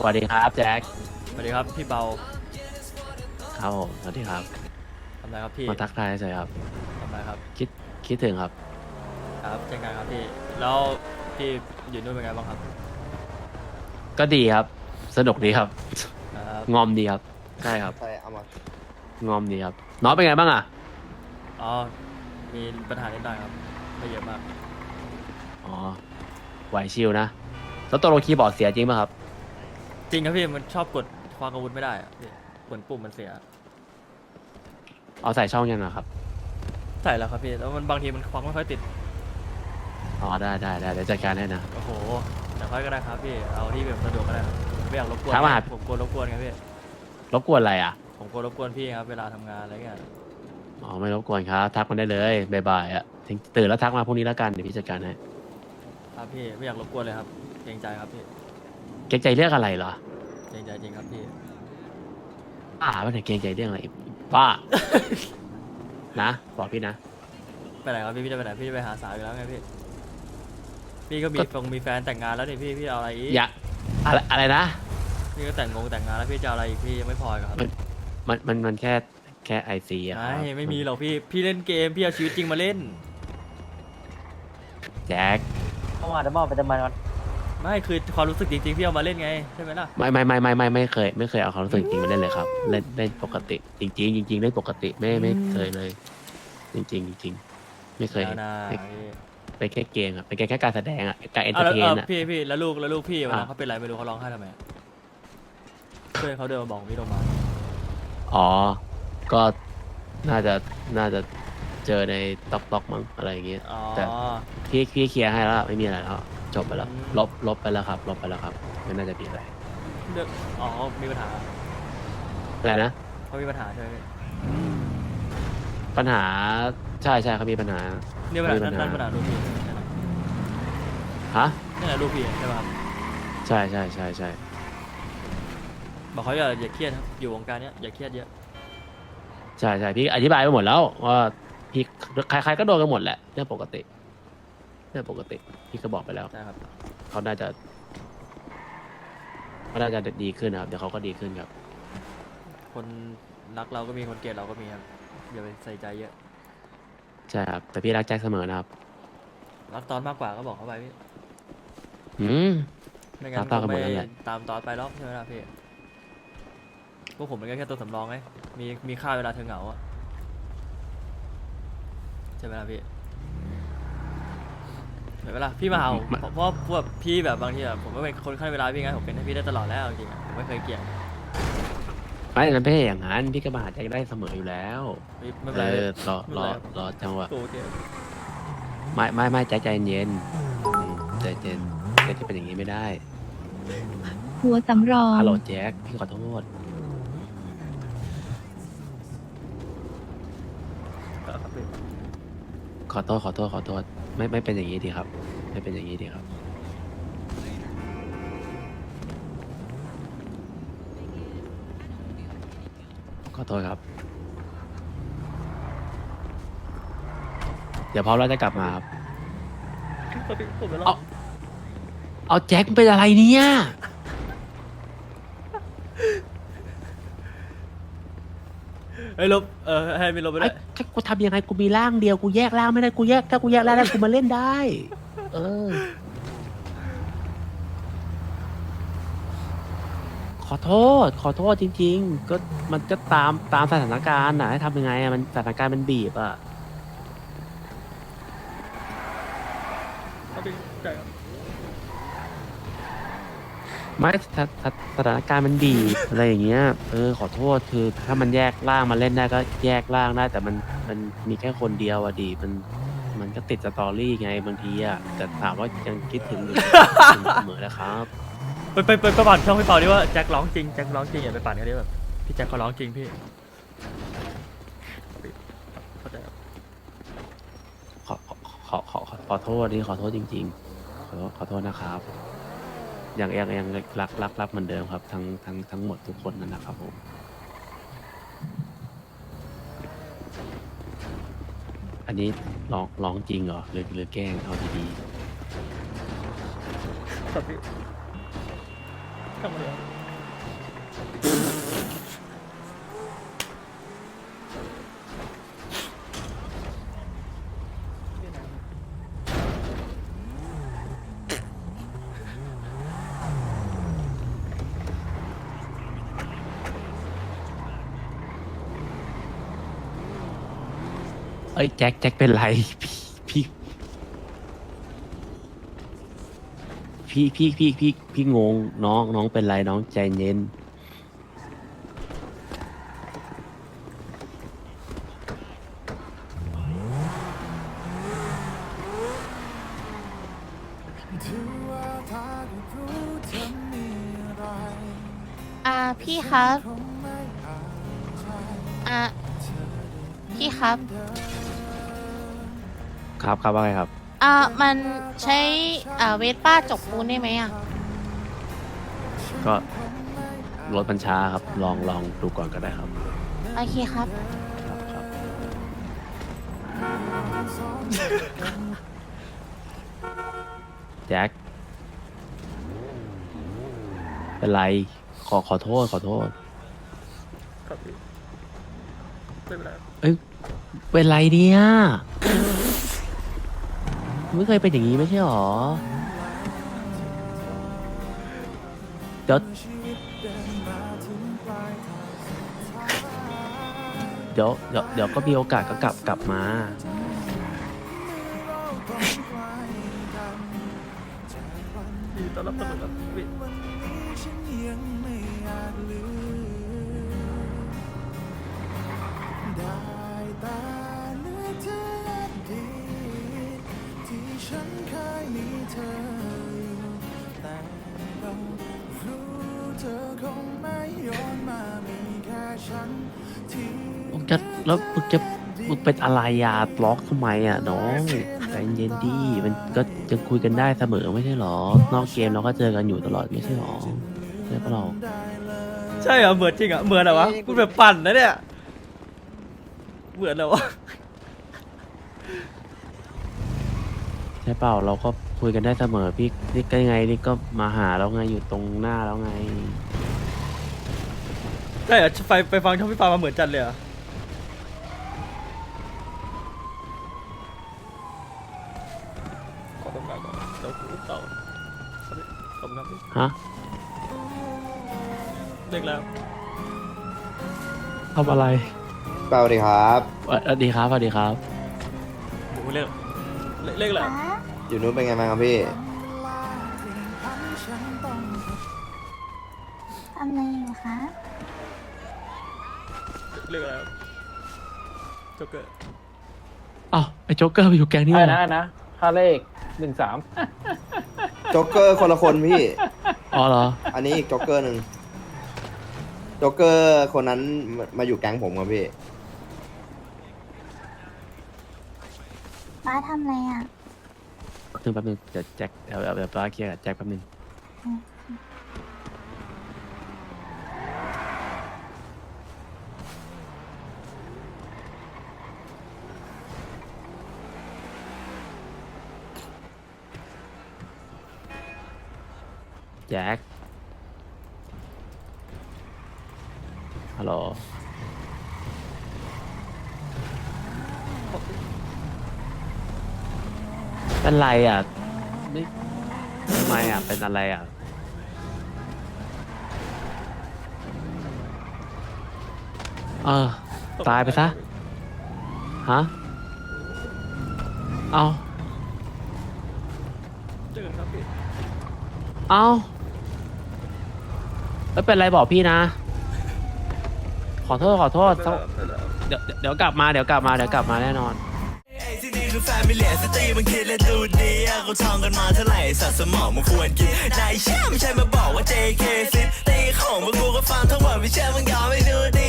วัสดีครับแจ็คสวัสดีครับพี่เบาครับผมสวัสดีครับทำอะไรครับพี่มาทักทายเฉยครับทำอะไรครับคิดคิดถึงครับครับเช่นกันครับพี่แล้วพี่อยู่นู่นเป็นไงบ้างครับก็ดีครับสนุกดีครับครับงอมดีครับใช่ครับใช่เอามางอมดีครับน้องเป็นไงบ้างอ่ะอ๋อมีปัญหานิดหน่อยครับไม่เยอะมากอ๋อไหวชิวนะแล้วตัวโลคีย์บอร์ดเสียจริงป่ะครับจริงครับพี่มันชอบกดคว้างอาวุธไม่ได้อะพี่กดปุ่มมันเสียเอาใส่ช่องยังอะครับใส่แล้วครับพี่แล้วมันบางทีมันคว้างไม่ค่อยติดอ๋อได้เดี๋ยวจัดการให้นะโอ้โหแต่ค่อยก็ได้ครับพี่เอาที่แบบสะดวกก็ได้ครับไม่อยากรบกวนถามว่าผมกลัวรบกวนครับพี่รบกวนอะไรอ่ะผมกลัวรบกวนพี่ครับเวลาทำงานอะไรเงี้ยอ๋อไม่รบกวนครับทักมาได้เลยบ่ายๆอ่ะตื่นแล้วทักมาพรุ่งนี้แล้วกันเดี๋ยวพี่จัดการให้ครับพี่ไม่อยากรบกวนเลยครับเกรงใจครับพี่เกรงใจเรื่องอะไรเหรอเกรงใจจริงครับพี่ไม่ได้เกรงใจเรื่องอะไรบ้านะบอกพี่นะไปไหนครับพี่จะไปไหนพี่จะไปหาสาวอยู่แล้วไงพี่พี่ก็มีแฟนแต่งงานแล้วนี่พี่เอาอะไรอีกอย่าอะไรนะพี่ก็แต่งงานแล้วพี่จะเอาอะไรอีกพี่ยังไม่พออีกเหรอครับมันแค่ไอซีอะคไม่รับไม่มีหรอกพี่เล่นเกมพี่เอาชีวิตจริงมาเล่นแจ็คเข้ามาเดี๋ยวมองไปทำไมมันไม่คือความรู้สึกจริงๆพี่เอามาเล่นไงใช่ไหมล่ะไม่เคยเอาความรู้สึกจริงมาเล่นเลยครับเล่นปกติจริงๆจริงๆเล่นปกติไม่เคยเลยจริงไม่เคยแล้วนะไม่พี่เป็นแค่เกมอะเป็นแค่การแสดงอะการเอนเตอเอาแล้วร์เทนอะพี่แล้วลูกพี่วันอ่ะนั้นเขาเป็นไรไม่รู้เขาร้องไห้ทำไมเพื่อนเขาเดินมาบอกพี่ลงมาอ๋อก็น่าจะน่าจะเจอในต็อกมั้งอะไรอย่างเงี้ยอ๋อแต่พี่เคลียร์ให้แล้วไม่มีอะไรแล้วจบไปแล้วอืมลบไปแล้วครับลบไปแล้วครับไม่น่าจะมีอะไรเรื่องอ๋อมีปัญหาอะไรนะเขามีปัญหาใช่ไหมพี่ปัญหาใช่เขามีปัญหาเนี่ยปัญหานั่นปัญหาลูกพี่ใช่ไหมฮะนั่นแหละลูกพี่ใช่ไหมครับใช่บอกเขาอย่าเครียดครับอยู่วงการเนี้ยอย่าเครียดเยอะใช่พี่อธิบายไปหมดแล้วว่าพี่ใครก็โดนกันหมดแหละเรื่องปกติพี่ก็บอกไปแล้วนะครับเขาน่าจะดีขึ้นนะครับเดี๋ยวเขาก็ดีขึ้นครับคนรักเราก็มีคนเกลียดเราก็มีครับอย่าไปใส่ใจเยอะใช่ครับแต่พี่รักแจ็คเสมอนะครับรักตอนมากกว่าก็บอกเขาไปพี่อืมไม่งั้นตาคงไม่กันหมดแล้วแหละตามตอนไปหรอกใช่ไหมล่ะพี่พวกผมมันก็แค่ตัวสำรองไงมีค่าเวลาเธอเหงาอะใช่ไหมล่ะพี่เห็นไหมล่ะพี่มาเอาเพราะพวกพี่แบบบางทีแบบผมก็เป็นคนขั้นเวลาพี่ไงผมเป็นให้พี่ได้ตลอดแล้วจริงๆอะผมไม่เคยเกลียดไม่นั้นไม่ใช่อย่างนั้นพี่ก็มาหาแจ็คได้เสมออยู่แล้วไม่เป็นไรรอไม่เป็นไรครับรอจังหวะโอเคไม่แจ็คใจเย็นใจเย็นแจ็คจะเป็นอย่างนี้ไม่ได้หัวสำรองฮัลโหลแจ็คพี่ขอโทษครับพี่ขอโทษไม่เป็นอย่างนี้ดีครับไม่เป็นอย่างนี้ดีครับขอโทษครับเดี๋ยวพร้อมแล้วจะกลับมาครับครับพี่ผมไปรอเอาแจ็คเป็นอะไรเนี่ยเฮ้ยลบให้ไม่ลบไปด้ไอ้วยถ้ากูทำยังไงกูมีร่างเดียวกูแยกร่างไม่ได้ถ้ากูแยกร่างได้กูมาเล่นได้เออขอโทษจริงๆก็มันก็ตามสถานการณ์นะให้ทำยังไงอะมันสถานการณ์มันบีบอะครับพี่ใช่ครับไม่สถานการณ์มันบีบ อะไรอย่างเงี้ยขอโทษคือถ้ามันแยกร่างมาเล่นได้ก็แยกร่างได้แต่มันมีแค่คนเดียวอะดีมันก็ติดสตอรี่ไงบางทีอะแต่ถามว่ายังคิดถึงอยู่ เสมอนะครับไปปั่นช่องพี่เปาดิว่าแจ็คร้องจริงอย่าไปปั่นกันดิแบบพี่แจ็คเขาร้องจริงพี่เข้าใจครับขอขอโทษนี่ขอโทษจริงๆขอโทษนะครับยังรักเหมือนเดิมครับทั้งหมดทุกคนนั่นนะครับผมอันนี้ร้องจริงเหรอหรือแกล้งเอาดีครับพี่ทำอะไรอะเอ้ยแจ็คเป็นไรพี่พี่งงน้องเป็นไรน้องใจเย็นพี่ครับพี่ครับครับว่าไงครับมันใช้เวสป้าจกปูนได้ไหมอ่ะก็รถมันช้าครับลองดูก่อนก็ได้ครับโอเคครับแจ็คเป็นไรขอโทษครับพี่ไม่เป็นไรเอ้ยเป็นไรเนี่ยไม่เคยเป็นอย่างนี้ไม่ใช่หรอเดี๋ยวก็มีโอกาสก็กลับมายินดีต้อนรับเสมอครับพี่มึงเป็นอะไรอ่ะล็อกทำไมอ่ะน้องใจเย็นดีมันก็ยังคุยกันได้เสมอไม่ใช่หรอนอกเกมเราก็เจอกันอยู่ตลอดไม่ใช่หรอใช่ปะเราใช่เหรอเหมือนจริงเหรอเหมือนเหรอวะพูดแบบปั่นนะเนี่ยเหมือนเหรอวะใช่เปล่าเราก็คุยกันได้เสมอพี่นี่ก็ยังไงนี่ก็มาหาแล้วไงอยู่ตรงหน้าแล้วไงใช่เหรอไปฟังช่องพี่ปามาเหมือนจันเลยเหรอขอต้องการก่อนเดี๋ยวกูต่อขอบคุณครับพี่ฮะเด็กแล้วทำอะไรสวัสดีครับสวัสดีครับผมเรียกเรียกแล้วอยู่นู้นเป็นไงบ้างครับพี่ทำอะไรอยู่คะเรียกแล้วโจ๊กเกอร์อ้าวไอ้โจ๊กเกอร์ไปอยู่แก๊งนี้อะไรเหรอนะค่าเลข13 โจ๊กเกอร์คนละคนพี่อ๋อเหรออันนี้อีกโจ๊กเกอร์หนึ่งโจ๊กเกอร์คนนั้นมาอยู่แก๊งผมครับพี่ป้าทำอะไรอ่ะแป๊บนึงเดี๋ยวแจ็คเดี๋ยวป้าเคลียร์กับแจ็คแป๊บนึงแจ็คฮัลโหลเป็นไรอ่ะไม่ทำไมอ่ะเป็นอะไรอ่ะตายไปซะฮะเอาเจอกันครับพี่เอาแล้วเป็นไรบอกพี่นะ ขอโทษเดี๋ยวกลับมาแน่นอนที่นี่คือแฟมิเลียสตรีมันคิดและดูดีอะเขาท่องกันมาเท่าไหร่สัตว์สมองมันควรกินนายเชื่อไม่ใช่มาบอกว่า JK ซิตี้ของพวกกูก็ฟังทั้งหมดไม่เชื่อมึงยอมไม่ดูดี